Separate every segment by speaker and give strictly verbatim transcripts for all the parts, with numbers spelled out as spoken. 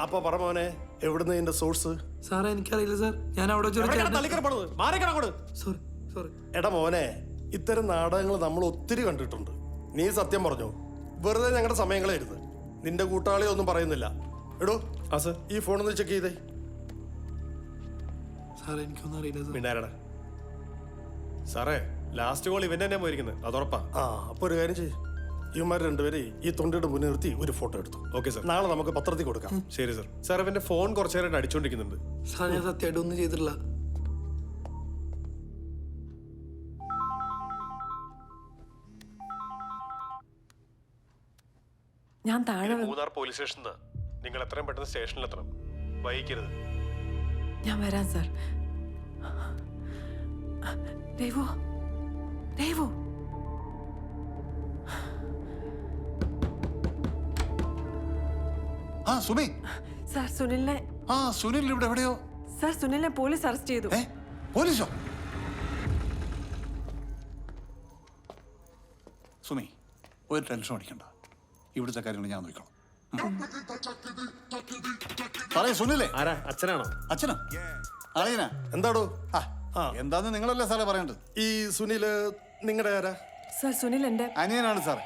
Speaker 1: അപ്പൊ പറ മോനെ, എവിടുന്ന് ഇതിന്റെ സോഴ്സ്?
Speaker 2: സാറേ എനിക്കറിയില്ല സാർ, ഞാൻ അവിടെ സോറി സോറി.
Speaker 1: എടാ മോനെ, ഇത്തരം നാടകങ്ങൾ നമ്മൾ ഒത്തിരി കണ്ടിട്ടുണ്ട്. നീ സത്യം പറഞ്ഞു, വെറുതെ ഞങ്ങളുടെ സമയങ്ങളായിരുന്നു. നിന്റെ കൂട്ടാളി ഒന്നും പറയുന്നില്ല. എടോ ആ സർ, ഈ ഫോണൊന്ന് ചെക്ക് ചെയ്തേ.
Speaker 2: സാറേ എനിക്കൊന്നും അറിയില്ല സാർ.
Speaker 3: മിണ്ടാരടാ സാറേ, ലാസ്റ്റ് കോൾ ഇവൻ തന്നെ പോയിരിക്കുന്നത്, അതുറപ്പാ.
Speaker 1: ആ അപ്പൊ ഒരു കാര്യം ചെയ്യും, ഇവന്മാർ രണ്ടുപേരെ ഈ തൊണ്ടിയുടെ മുന്നിൽ നിർത്തി ഒരു ഫോട്ടോ എടുത്തു.
Speaker 3: ഓക്കെ സാർ,
Speaker 1: നാളെ നമുക്ക് പത്രത്തിൽ കൊടുക്കാം.
Speaker 3: ശരി സാർ. സാർ ഇവന്റെ ഫോൺ കുറച്ചു നേരമായിട്ട് അടിച്ചോണ്ടിരിക്കുന്നുണ്ട്.
Speaker 2: സാർ ഞാൻ സത്യമായിട്ട് ഒന്നും ചെയ്തിട്ടില്ല.
Speaker 4: ഞാൻ താഴെ
Speaker 3: മൂന്നാർ പോലീസ് സ്റ്റേഷനിൽ നിങ്ങൾ എത്രയും പെട്ടെന്ന് സ്റ്റേഷനിൽ എത്തണം, വൈകിക്കരുത്.
Speaker 4: ഞാൻ വരാം സാർ. ദേവു ദേവു
Speaker 5: ആ സുമി.
Speaker 4: സാർ സുനിലിനെ
Speaker 5: ആ സുനിൽ ഇവിടെ എവിടെയോ.
Speaker 4: സാർ സുനിലിനെ പോലീസ് അറസ്റ്റ് ചെയ്തു.
Speaker 5: ഏ പോലീസോ? സുമി ഒരു ടെൻഷൻ അടിക്കണ്ട, ഇവിടുത്തെ കാര്യങ്ങൾ ഞാൻ നോക്കണം. പറയൂ സുനിലേ.
Speaker 3: ആരാ? അച്ഛനാണോ?
Speaker 5: അച്ഛനോ? അറിയനാ?
Speaker 1: എന്താടോ?
Speaker 5: ആ എന്താന്ന് നിങ്ങളല്ലേ സാറേ പറയേണ്ടത്.
Speaker 1: ഈ സുനില് നിങ്ങളുടെ ആരാ?
Speaker 4: സാർ സുനിൽ എന്റെ
Speaker 5: അനിയനാണ് സാറേ.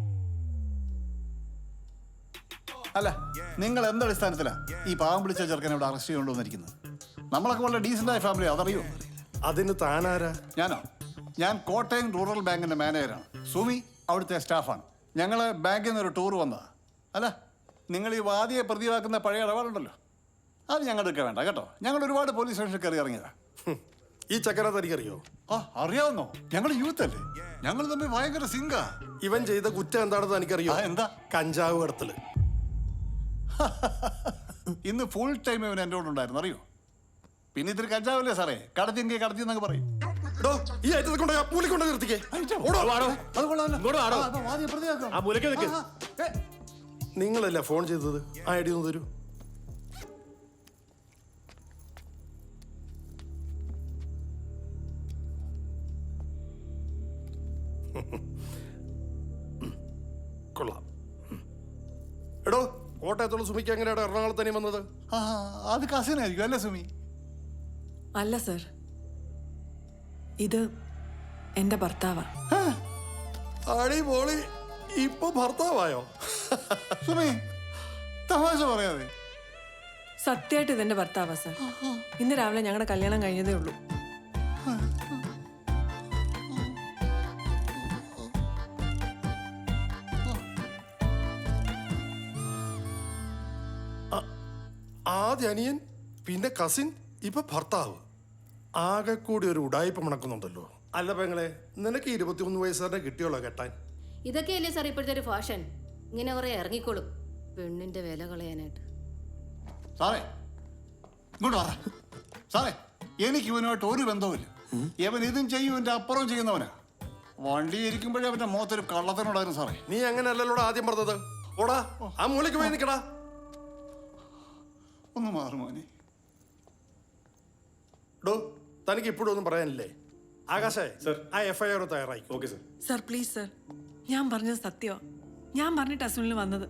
Speaker 5: അല്ല നിങ്ങൾ എന്തടിസ്ഥാനത്തിലാ ഈ പാവം പിടിച്ച ചെറുക്കനെ ഇവിടെ അറസ്റ്റ് ചെയ്തുകൊണ്ടുവന്നിരിക്കുന്നത്? നമ്മളൊക്കെ വളരെ ഡീസൻ്റ് ആയ ഫാമിലി, അതറിയോ?
Speaker 1: അതിന് താനാരാ?
Speaker 5: ഞാനോ? ഞാൻ കോട്ടയം റൂറൽ ബാങ്കിന്റെ മാനേജറാണ്. സുമി അവിടുത്തെ സ്റ്റാഫാണ്. ഞങ്ങൾ ബാങ്കിൽ നിന്ന് ഒരു ടൂർ വന്നതാ. അല്ല നിങ്ങൾ ഈ വാദിയെ പ്രതിവാക്കുന്ന പഴയ ഇടപാടുണ്ടല്ലോ, അത് ഞങ്ങൾക്ക് വേണ്ട കേട്ടോ. ഞങ്ങൾ ഒരുപാട് പോലീസ് സ്റ്റേഷനിൽ കയറി ഇറങ്ങിയതാ.
Speaker 1: ഈ ചക്കര തനിക്കറിയോ?
Speaker 5: ആ അറിയാവുന്നോ? ഞങ്ങൾ യൂത്ത് അല്ലേ, ഞങ്ങൾ തമ്മിൽ ഭയങ്കര സിങ്കാ.
Speaker 1: ഇവൻ ചെയ്ത കുറ്റം എന്താണെന്ന് എനിക്കറിയോ?
Speaker 5: എന്താ?
Speaker 1: കഞ്ചാവ് കടത്തല്.
Speaker 5: ഇന്ന് ഫുൾ ടൈം ഇവൻ എൻ്റെ കൂടെ ഉണ്ടായിരുന്നു, അറിയോ? പിന്നെ ഇത്തിരി കഞ്ചാവല്ലേ സാറേ, കടത്തിയെങ്കിൽ കടത്തി എന്നൊക്കെ പറയും.
Speaker 1: ഈ ഐറ്റത്തെ കൊണ്ട് പൂലി കൊണ്ട് നിർത്തിക്കേ. നിങ്ങളല്ലേ ഫോൺ ചെയ്തത്? ആ ഐ ഡി ഒന്ന് തരൂ. കൊള്ളാം. എടോ, കോട്ടയത്തുള്ള സുമിക്ക് എങ്ങനെയാണ് എറണാകുളത്തന്നെ വന്നത്?
Speaker 5: ആ അത് കസിനായിരിക്കും അല്ലേ സുമി?
Speaker 4: അല്ല സാർ, ഇത് എന്റെ ഭർത്താവാ.
Speaker 1: അടിപൊളി, ഇപ്പൊ ഭർത്താവായോ?
Speaker 5: സുമി തമാശ പറയാതെ.
Speaker 4: സത്യമായിട്ട് ഇതെന്റെ ഭർത്താവാ സാർ. ഇന്ന് രാവിലെ ഞങ്ങളുടെ കല്യാണം കഴിഞ്ഞതേ ഉള്ളൂ.
Speaker 1: ആദ്യ അനിയൻ, പിന്നെ കസിൻ, ഇപ്പൊ ഭർത്താവ്. ആകെ കൂടി ഒരു ഉടായ്പ മണക്കുന്നുണ്ടല്ലോ. അല്ല പെങ്ങളെ, നിനക്ക് ഇരുപത്തിമൂന്ന് വയസ്സുകാരനെ കിട്ടിയോളോ കെട്ടാൻ?
Speaker 6: ഇതൊക്കെയല്ലേ സാർ ഇപ്പോഴത്തെ ഒരു ഫാഷൻ. ഇങ്ങനെ കുറെ ഇറങ്ങിക്കോളും പെണ്ണിന്റെ വില കളയാനായിട്ട്.
Speaker 5: സാറേ ഇങ്ങോട്ട് പറ സാറേ, എനിക്ക് ഇവനുമായിട്ട് ഒരു ബന്ധവുമില്ല. ഇവൻ ഇതും ചെയ്യും, ഇവന്റെ അപ്പുറം ചെയ്യുന്നവനാ. വണ്ടി ഇരിക്കുമ്പോഴേ അവന്റെ മുഖത്തൊരു കള്ളത്തിനോടായിരുന്നു സാറേ.
Speaker 1: നീ അങ്ങനെയല്ലല്ലോടാ ആദ്യം പറഞ്ഞത്. ഓടാ, ആ മൂലയ്ക്ക് പോയി നിൽക്കടാ.
Speaker 5: ഒന്ന് മാറുമോനെ.
Speaker 1: ഡോ, തനിക്ക് ഇപ്പോഴും ഒന്നും പറയാനില്ലേ? ആകാശേ സർ, ആ എഫ് ഐ ആർ തയ്യാറായി.
Speaker 3: Okay sir.
Speaker 4: Sir please sir, ഞാൻ പറഞ്ഞത് സത്യമാ. ഞാൻ പറഞ്ഞിട്ട് അസുനിൽ വന്നത്.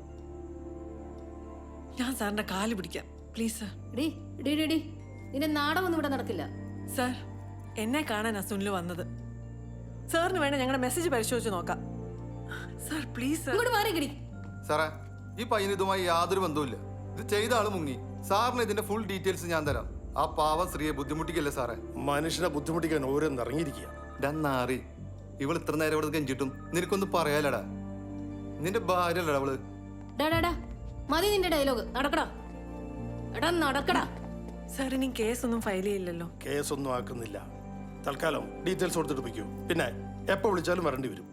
Speaker 4: ഞാൻ സാറിന്റെ കാല് പിടിക്കാം പ്ലീസ് സാർ.
Speaker 6: ഡി ഡി ഡി ഡി നിന്റെ നാടകമൊന്നും ഇവിടെ നടക്കില്ല.
Speaker 4: സാർ, എന്നെ കാണാൻ അസുനിൽ വന്നത്. സാറിന് വേണേ ഞങ്ങളുടെ മെസ്സേജ് പരിശോധിച്ച് നോക്കാം. Sir please sir.
Speaker 6: ഇങ്ങോട്ട് മാറി കിടി.
Speaker 7: സാറേ, ഈ പയ്യന് ഇതുമായി യാതൊരു ബന്ധവുമില്ല. ഇത് ചെയ്ത ആള് മുങ്ങി. സാറിന് ഇതിന്റെ ഫുൾ ഡീറ്റെയിൽസ് ഞാൻ തരാം. ആ പാവം സ്ത്രീയെ ബുദ്ധിമുട്ടിക്കല്ലേ സാറേ.
Speaker 1: മനുഷ്യനെ ബുദ്ധിമുട്ടിക്കാൻ ഓരോന്ന് ഇറങ്ങിയിരിക്കുക.
Speaker 7: ഡന്നാറി, ഇവൾ ഇത്ര നേരം ഇവിടെ കെഞ്ചിട്ടും നിനക്കൊന്നും പറയാലടാ. നിന്റെ ഭാര്യ അല്ലടാ അവള്.
Speaker 6: ഡാ ഡാ ഡാ മതി നിന്റെ ഡയലോഗ്. നടക്കടാ എടാ നടക്കടാ.
Speaker 4: സാർ ഇനി കേസൊന്നും ഫയൽ ചെയ്യില്ലല്ലോ?
Speaker 1: കേസൊന്നും ആക്കുന്നില്ല. തൽക്കാലം ഡീറ്റെയിൽസ് കൊടുത്തിട്ട് വയ്ക്കൂ. പിന്നെ എപ്പോ വിളിച്ചാലും വരേണ്ടി വരും.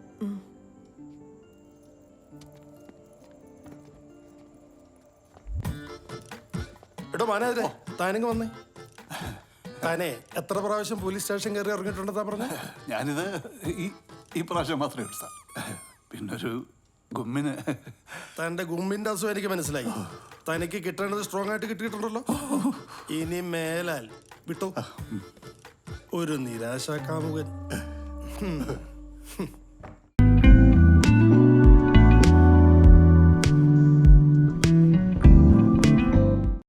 Speaker 1: എടോ മാനേജരെ, താനിങ്ങ് വന്നേ. താനേ എത്ര പ്രാവശ്യം പോലീസ് സ്റ്റേഷൻ കയറി ഇറങ്ങിയിട്ടുണ്ടെന്നാ പറഞ്ഞ?
Speaker 5: ഞാനിത് ഈ ഈ പ്രാവശ്യം മാത്രമേ ഉള്ളൂ സാർ. പിന്നൊരു ഗുമ്മിന്.
Speaker 1: തന്റെ ഗുമ്മിന്റെ അസുഖം എനിക്ക് മനസ്സിലായി. തനിക്ക് കിട്ടേണ്ടത് സ്ട്രോങ് ആയിട്ട് കിട്ടിയിട്ടുണ്ടല്ലോ. ഇനി മേലാൽ വിട്ടോ. ഒരു നിരാശാ കാമുകൻ.